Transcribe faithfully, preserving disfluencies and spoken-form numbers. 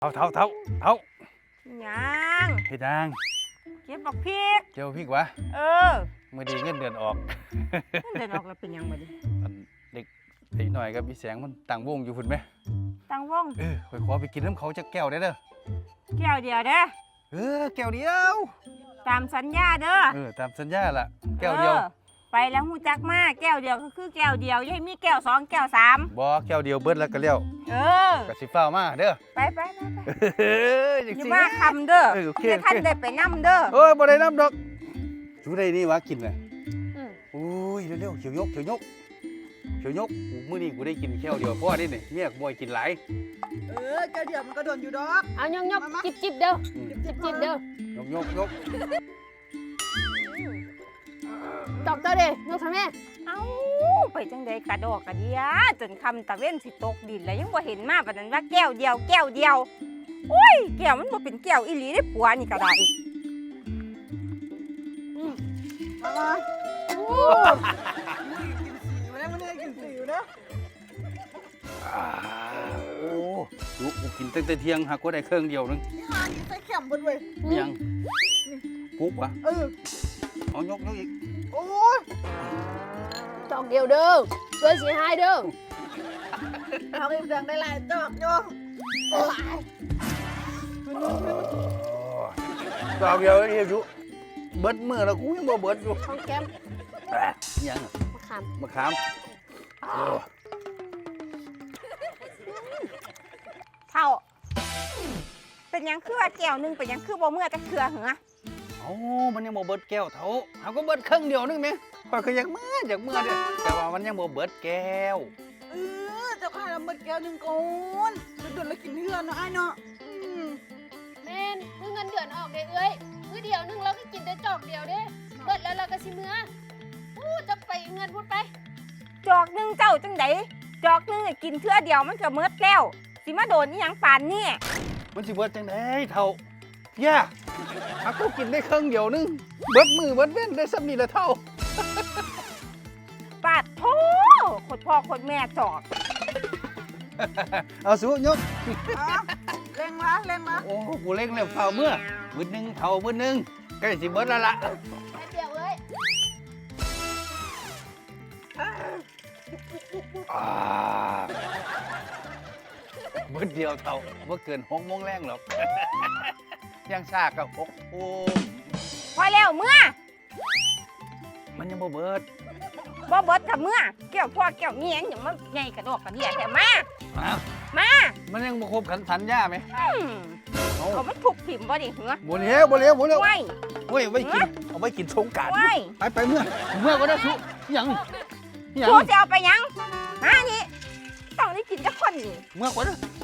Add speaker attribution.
Speaker 1: เท่าเท่าเท่าเท่า
Speaker 2: ยัง
Speaker 1: เฮ็ดยัง
Speaker 2: เก็บบักพริก
Speaker 1: เจ้าพริกวะ
Speaker 2: เออ
Speaker 1: มื้อนี้เงินเดือนออก
Speaker 2: เดือนออกแล้วเป็นยังบ่ดิ
Speaker 1: เด็กไอ้หน่อยกับพี่แสงมันตั้งวงอยู่พุ่นไหม
Speaker 2: ตั้งวง
Speaker 1: เออข่อยขอไปกินน้ำเขาจักแก้วได้เด้อ
Speaker 2: แก้วเดียวเด้อ
Speaker 1: เออแก้วเดียว
Speaker 2: ตามสัญญาเด้อ
Speaker 1: เออตามสัญญาล่ะแก้วเดียว
Speaker 2: ไปแล้วฮู้จักมาแก้วเดียวก็คือแก้วเดียวอย่าให้มีแก้วสองแก้วสาม
Speaker 1: บ่แก้วเดียวเบิดแล้วก็แล้ว
Speaker 2: เออ
Speaker 1: ก็สิฟ้าวมาเด้อ
Speaker 2: ไปไปไปอย่ามาคำเด้อให้ท่านได้ไปนำเด้อ
Speaker 1: เอ้ยบ่ได้นำดอกจูได้นี่วะกินน่ะโอ้ยเร็วๆเขียวยกเขียวยกเขียวยกมื้อนี้กูได้กินแก้วเดียวพอได้นี่เมียกูบ่ให้กินหลาย
Speaker 3: เออแก้วเดียวมันก็โดนอยู่ดอก
Speaker 4: เอายกยกจิบจิบเด้อจิบจิบเด้อย
Speaker 1: กยกยก
Speaker 4: ตอกเตอเด้ยกทำแม่
Speaker 2: เอ้าไปจังได๋กระดอกกระเดียจนคำตะเว้นสิตกดินแล้วยังบ่เห็นมาปานนั้นว่าแก้วเดียวแก้วเดียวโอ้ยแก้วมันบ่เป็นแก้วอีหลีได้ผัวนี่ก็ได้
Speaker 3: อืมมาโอ้กินสีอยู่นะมันได้กินสีอยู่นะ
Speaker 1: โอ้ลูกกูกินตั้งแต่เที่ยงหากว่าได้เครื่องเดียวนึง
Speaker 3: นี่หากินใส่แข็มบนเว้ย
Speaker 1: ยังกุ๊บวะ
Speaker 3: เออ
Speaker 1: เอายกยกอีก
Speaker 3: โอ้ย
Speaker 4: ตอกเดียวเด้อช่วยสีหายเด้อ
Speaker 3: เอาไปแบ่งได้หลายจอกโยโอ้ย
Speaker 1: ดอกเดียวนี่จุเบิดมือแล้วกูยังบ่เบิดอยู่
Speaker 4: ของแก้ม
Speaker 1: ยัง
Speaker 4: มะขาม
Speaker 1: มะขาม
Speaker 2: เท่าเป็นยังคือว่าแก้วนึงเป็นยังคือบ่เมื่อจะเคือเหรอ
Speaker 1: เอ้ามันยังบ่เบิดแก้วเท่าเฮาก็เบิดครึ่งเดียวนึงแม่ข่อยก็อยากมื้ออยากมื้อเด้อแต่ว่ามันยังบ่เบิดแก้ว
Speaker 3: เออเจ้าข้าละหมดแก้วนึงก่อนโดนๆแล้วกินเฮือนเนาะอ้ายเนาะ
Speaker 4: แม่นมื้อเงินเดือนออกเด้เอ้ยมื้อเดียวนึงเราก็กินได้จอกเดียวเด้เบิดแล้วเราก็สิมื้ออู้จะไปเงินพูดไป
Speaker 2: จอกนึงเจ้าจังไดจอกนึงกินเทื่อเดียวมันก็หมดแล้วสิมาโดนอีหยังปานนี้
Speaker 1: มันสิเบิดจังได๋เท่าย่าหากกูกินได้ครึ่งเดียวนึงเบิดมือเบิดเว้นได้ซ้ำนี่ละเท่า
Speaker 2: ปาดโธ่โคตรพ่อโคตรแม่จอก
Speaker 1: เอาสู้ยก
Speaker 3: เร่งมาเร่งมา
Speaker 1: โอ้กูเร่งแล้วเท่าเมื่อมื้อนึงเท่ามื้อนึงใกล้สิเบิดแล้วล่ะ
Speaker 4: เดียวเลย
Speaker 1: เบิดเดียวเท่าบ่เกินหกโมงแรงหรอกยังชากับหกโอ้
Speaker 2: พอแล้วเมื่อ
Speaker 1: มันยังบ่เบิด
Speaker 2: บ่เบิดกับเมื่อแก้วพ่อแก้วเมียอย่างมันใหญ่กระดอกกระเดียแต่มามา
Speaker 1: มันยังบ่ครบขันสัญญาไหม
Speaker 2: เอามันถูกถิ่มบ่ดิเหรอ
Speaker 1: บ่เลี้ยวบ่เลี้ยวบ่เลี้ยว
Speaker 2: ไม่
Speaker 1: เฮ้ยไว้กินเอาไว้กินสงกรานต์ไปไปเมื่อเมื่อก็ได้สุยัง
Speaker 2: ยังสุจะเอาไปยังมานี่ต้องได้กินจักคนนี่
Speaker 1: เมื่อก็ได้